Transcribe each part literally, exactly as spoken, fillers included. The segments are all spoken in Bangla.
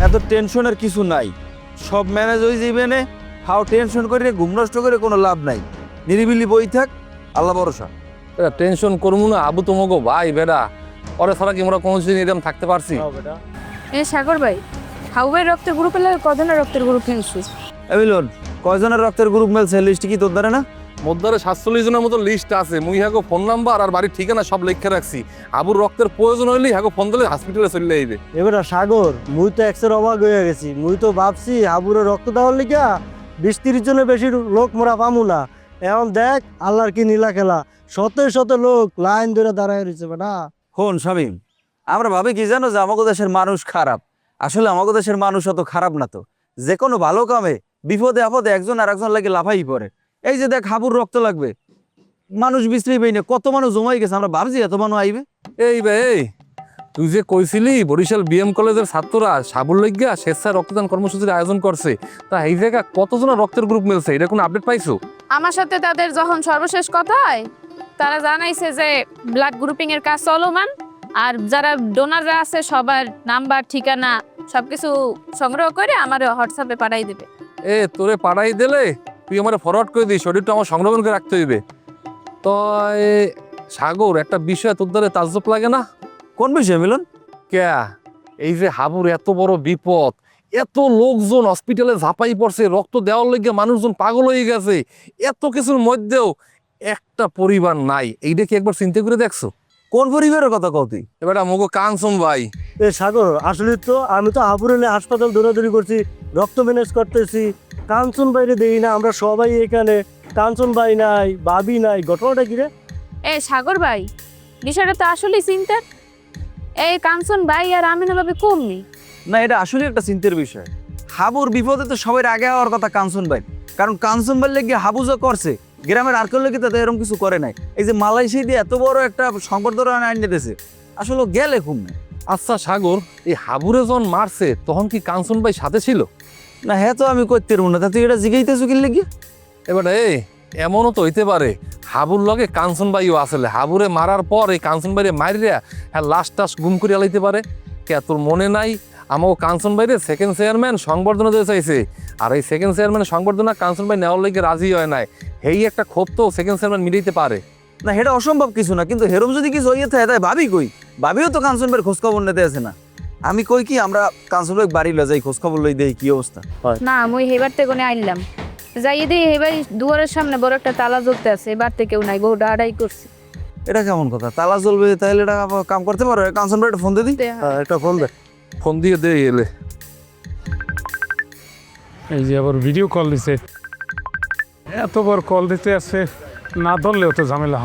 এত টেনশনের কিছু নাই, সব ম্যানেজ হয়ে যাবে নে। হাও টেনশন করে ঘুম নষ্ট করে কোনো লাভ নাই। নিরিবিলি বই থাক, আল্লাহ ভরসা। টেনশন করবো না, আবু তোমাকে ভাই বেড়া ওরে ছাড়া কি আমরা কোনোদিন এরকম থাকতে পারছি? এ সাগর ভাই, হাউয়ের রক্তের গ্রুপে লাগে কজনের রক্তের গ্রুপ কিনছিস? এমিলন, কয়জনের রক্তের গ্রুপ মেলছে লিস্ট কি তোর দ্বারা না? মধ্যে সাতচল্লিশ জনের মতো লিস্ট আছে। মুই হ্যাগো ফোন নাম্বার আর বাড়ির ঠিকানা সব লিখে রাখছি। আবুর রক্তের প্রয়োজন হইলে হ্যাগো ফোন দিলে হসপিটালে চলে যাইবে। এবার সাগর, মুই তো একশোর অবাক হয়ে গেছি। মুই তো ভাবছি হাবুরে রক্ত দেওয়ার লিগা বিশ তিরিশ জনের বেশি লোক মোরা পামু না। এখন দেখ আল্লাহর কি নীলা খেলা, শত শত লোক লাইন ধরে দাঁড়ায় রয়েছে বেটা। হন শামীম, আমরা ভাবি কি জানো যে আমাদের দেশের মানুষ খারাপ। আসলে আমাদের দেশের মানুষ অত খারাপ না তো। যে কোনো ভালো কামে বিপদে আপদে একজন আর একজন লাগে লাফাই পড়ে। এই যে দেখ হাবুর রক্ত লাগবে, মানুষ বিশ্রী পাই না, কত মানুষ জমাই গেছে। আমরা ভাবছি এত মানুষ আইবে। এই বে এই, তুই যে কইছিলি বরিশাল বিএম কলেজের ছাত্ররা সাবুর লইগা স্বেচ্ছায় রক্তদান কর্মসূচির আয়োজন করছে, তা এই জায়গা কতজনের রক্তের গ্রুপ মিলছে এটা কোনো আপডেট পাইছো? আমার সাথে তাদের যখন সর্বশেষ কথা হয়, তারা জানাইছে যে ব্লাড গ্রুপিং এর কাজ চলমান, আর যারা ডোনাররা আছে সবার নাম্বার ঠিকানা সবকিছু সংগ্রহ করে আমার হোয়াটসঅ্যাপে পাঠাই দিবে। এ তোরে পাঠাই দিলে তুই আমার ফরওয়ার্ড করে দিস, শরীরটা আমার সংরক্ষণ করে রাখতে হইবে। তো সাগর, একটা বিষয় তোর দ্বারা তাজ্জব লাগে না? কোন বিষয় মিলন? কে এই যে হাবুর এত বড় বিপদ, এত লোকজন হসপিটালে ঝাঁপাই পড়ছে, রক্ত দেওয়ার লেগে মানুষজন পাগল হয়ে গেছে, এত কিছুর মধ্যেও একটা পরিবার নাই। এইটা কি একবার চিন্তা করে দেখছো? কোন পরিবারের কথা কও তুই? এবার মগো কানসম ভাই। এ সাগর, আসলে তো আমি তো হাবুরে নিয়ে হাসপাতাল দৌড়াদৌড়ি করছি, রক্ত ম্যানেজ করতেছি। কাঞ্চন বাইরে দেই না, আমরা সবাই এখানে। কাঞ্চন ভাই নাই, ভাবি নাই, ঘটনাটা কি রে? এ সাগর ভাই, বিষয়টা তো আসলেই চিন্তার। এই কাঞ্চন ভাই আর আমিনা ভাবে কম নেই না, এটা আসলে একটা চিন্তার বিষয়। হাবুর বিপদে তো সবাই আগে হওয়ার কথা কাঞ্চন ভাই, কারণ কাঞ্চন ভাই লেগে হাবু যা করছে গ্রামের আর কেউ লেগে তাদের এরকম কিছু করে নাই। এই যে মালয়েশিয়া দিয়ে এত বড় একটা সংবর্ধনা আনিয়ে দিয়েছে, আসলে গেলে খুব না। আচ্ছা সাগর, এই হাবুরে যখন মারছে তখন কি কাঞ্চন ভাই সাথে ছিল? না হ্যাঁ, তো আমি করতে পারবো না। তা তুই এটা জিগাইতেছো কি লেগে? এবার এই এমনও তো হইতে পারে হাবুর লগে কাঞ্চন ভাইও আসলে হাবুরে মারার পর এই কাঞ্চন ভাইরে মারিয়া হ্যাঁ লাশ টাস গুম করে আলাইতে পারে। কে তোর মনে নাই আমাকে কাঞ্চন ভাইরে সেকেন্ড চেয়ারম্যান সংবর্ধনা দিতে চাইছে, আর এই সেকেন্ড চেয়ারম্যান সংবর্ধনা কাঞ্চন ভাই নেওয়ার লেগে রাজি হয় নাই। এই একটা ক্ষোভ তো সেকেন্ড চেয়ারম্যান মিটাইতে পারে না, এটা অসম্ভব কিছু না। কিন্তু হেরম যদি কিছু হইয়ে থাকে তাই ভাবি কই? ভাবিও তো কাঞ্চন ভাইয়ের খোঁজখবর নিতে আছে না। আমি কই কি আমরা কাঞ্চন ভাই বাড়ি লয়ে যাই, খোঁজখবর লই দেই কি অবস্থা। না। মুই হেবার থেকে কোনে আইলাম যাই দিই, হেবাই দুয়ারের সামনে বড় একটা তালা জ্বলতে আছে, এবার থেকে কেউ নাই, বহু ডাড়াই করছে। এটা কেমন কথা? তালা জ্বলবে তাহলে এটা আবার কাম করতে পারো? কাঞ্চন ভাই ফোন দিয়ে দিই। হ্যাঁ, একটা ফোন দে। ফোন দিয়ে দে এলে। এই যে আবার ভিডিও কল দিছে, এত বড় কল দিতে আছে, না ধরলেও তো ঝামেলা।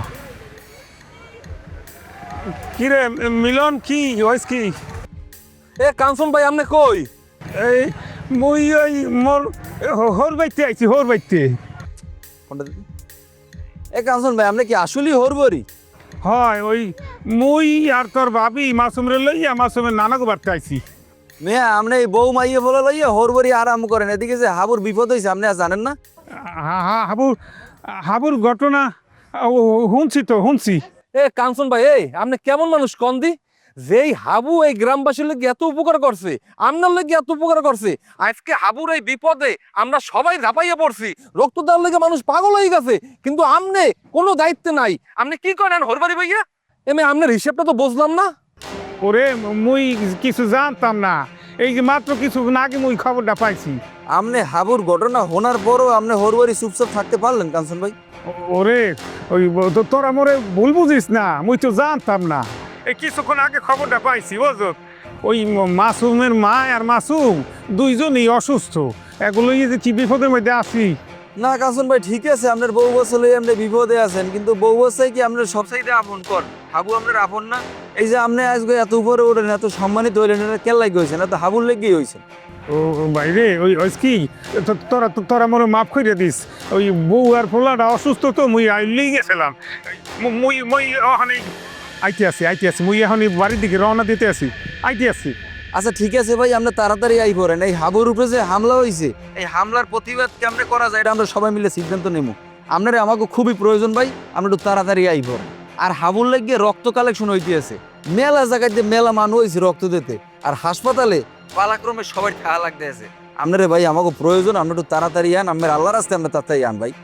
কি রে মিলন, কি হয়েছে কি? এ কাঞ্চন ভাই আপনি কই? এই মুই ওই মোর হোর বাইতে আইছি, হোর বাইতে। ফোনটা দিই। এ কাঞ্চন ভাই, আপনি কি আসলেই হরবরি? হয় ওই মুই আর তোর ভাবি মাসুমরে লইয়া মাসুমের নানাকে বাড়তে আইছি। মেয়া আপনি এই বউ মাইয়ে বলে লইয়া হরবরি আরাম করেন। এদিকে যে হাবুর বিপদ হয়েছে আপনি আর জানেন না? হা হা হাবুর হাবুর ঘটনা শুনছি তো শুনছি। এ কাঞ্চন ভাই, এই আপনি কেমন মানুষ কন্দি? যেই হাবু এই গ্রামবাসীর লেগে এত উপকার করছে, আপনার লেগে এত উপকার করছে, আজকে হাবুর এই বিপদে আমরা সবাই ঝাঁপাইয়া পড়ছি, রক্ত দেওয়ার লেগে মানুষ পাগল হয়ে গেছে, কিন্তু আমনে কোনো দায়িত্ব নাই। আপনি কি করেন হরবারি ভাইয়া? এমনি আপনার হিসেবটা তো বুঝলাম না। ওরে মুই কিছু জানতাম না, এই যে মাত্র কিছু আগে মুই খবরটা পাইছি। আপনি হাবুর ঘটনা শোনার পরও আপনি হরবরি চুপচাপ থাকতে পারলেন কাঞ্চন ভাই? ওরে ওই তো তোরা মোরে ভুল বুঝিস না, মুই তো জানতাম না, এই কিছুক্ষণ আগে খবরটা পাইছি। বুঝো ওই মাসুমের মা আর মাসুম দুইজনই অসুস্থ, এগুলো যে কি বিপদের মধ্যে আছি। না কাঞ্চন ভাই, ঠিক আছে আপনার বউ বছর আপনি বিপদে আছেন, কিন্তু বউ বছর কি আপনার সব সাইডে আপন কর? হাবু আপনার আপন না? এই যে আপনি আজকে এত উপরে ওঠেন, এত সম্মানিত হইলেন, এটা কেন লাগে হয়েছেন? এত হাবুর লেগেই হয়েছেন। ও বাইরে ওই ওই কি তোরা তোরা মোরে মাফ করে দিস, ওই বউ আর পোলাটা অসুস্থ তো মুই আইলেই গেছিলাম। মুই মুই ওখানে আইতে আছি আইতে আছি মুই এখন বাড়ির দিকে রওনা দিতে আছি, আইতে আছি। আচ্ছা ঠিক আছে ভাই, আপনি তাড়াতাড়ি আই পড়েন। এই হাবুর উপরে যে হামলা হয়েছে, এই হামলার প্রতিবাদ কেমনে করা যায় এটা আমরা সবাই মিলে সিদ্ধান্ত নেব। আপনার আমাকে খুবই প্রয়োজন ভাই, আমরা একটু তাড়াতাড়ি আই পড়েন। আর হাবুর লেগে রক্ত কালেকশন হইতে আছে, মেলা জায়গায় মেলা মানুষ হয়েছে রক্ত দিতে, আর হাসপাতালে পালাক্রমে সবাই ঠা লাগতে আছে আপনারে ভাই আমাকে প্রয়োজন আমরা একটু তাড়াতাড়ি আন আমার আল্লাহ রাস্তায় আমরা তাড়াতাড়ি আন ভাই